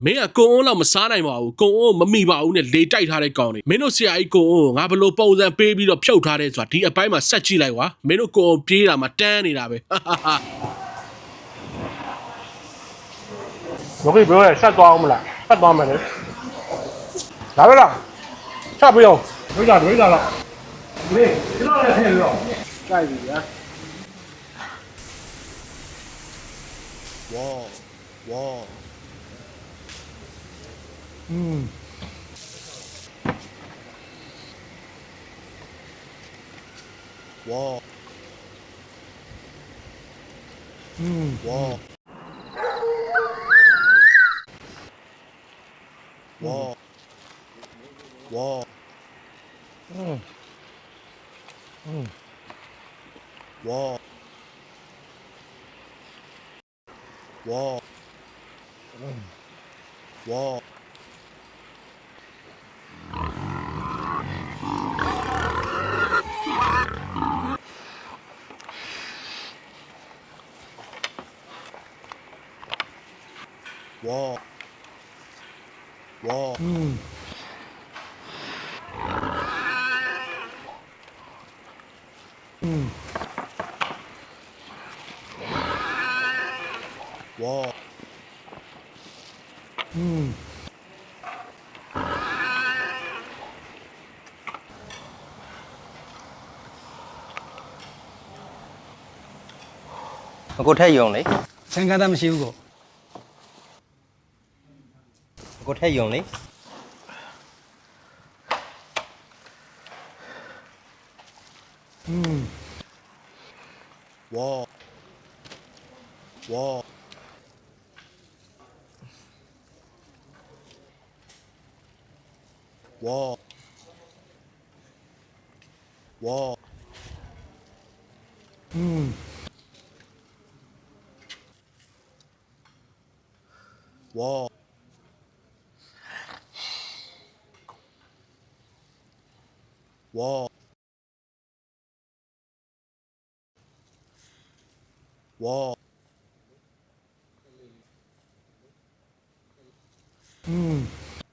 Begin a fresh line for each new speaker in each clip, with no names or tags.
မင်းကကုံအုံးလောက်မစားနိုင်ပါဘူးကုံအုံးမမိပါဘူးနဲ့လေတိုက်ထားတဲ့ကောင်တွေမင်းတို့ဆရာကြီးကုံအုံးငါဘလို့ပုံစံပေးပြီးတော့ဖြုတ်ထားတဲ့ဆိုတာဒီအပိုင်းမှာဆက်ကြည့်လိုက်ကွာမင်းတို့ကုံအုံးပြေးတာမှတန်းနေတာပဲ
我可以不用晒抓我们了，晒抓我们的。来不了，晒不用，没了。对，知道了，黑了。晒底啊！
哇，
嗯。
哇，
嗯。
哇。哇，哇，
嗯，
哇，哇，哇，哇。哇，
嗯，嗯，
哇，
嗯，
ကိုထက်ယုံလေ
ဆိုင်ကားသားမရှိဘူးကို
ကိုထက်ယုံလေ
嗯，
哇，哇，哇，哇，
嗯，
哇，哇，哇，
嗯，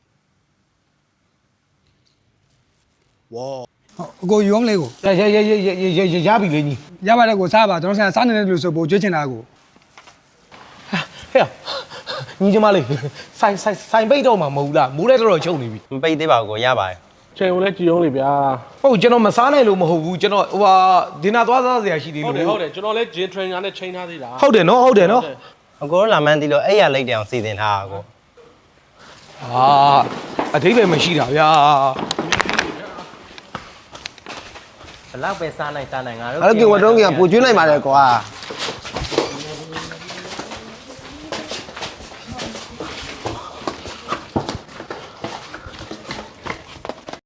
哇。
အကိုယူအောင်လေကို
ရပြီလေညီ
ရပါတယ်ကိုစားပါကျွန်တော်စားနေတဲ့လူဆိုပို့ကျွေးချင်တာကို
ဟဲ့ညီကျမလေးဆိုင်ပိတ်တော့မှာမဟုတ်လားမိုးလဲတော်တော်ချုပ်နေပြီ
မပိတ်သေးပါဘူးကိုရပါတယ်
ချိန်ကိုလည်းကြည်အောင်လေဗျာ
ဟုတ်ကျွန်တော်မစားနိုင်လို့မဟုတ်ဘူးကျွန်တော်ဟိုဟာဒီနာသွားစားစရာရှိသေး
ဟုတ်
လို့
တယ်ဟုတ်တယ်ကျွန်တော်လည်း gym trainer နဲ့ချိန်ထားသေးတာ
ဟုတ်တယ်နော်ဟုတ်တယ်နော်
အကိုလာမှန်းသိလို့အဲ့ရလိုက်တယ်အောင်စီစဉ်ထားတာကို
ဟာအထိပ္ပယ်မရှိတာဗျာ
ဘလောက်ပဲစားနိုင်ငါတို့
အဲ့လိုကဝတ်တုံးကပူကျွေးနိုင်ပါတယ်ကွာ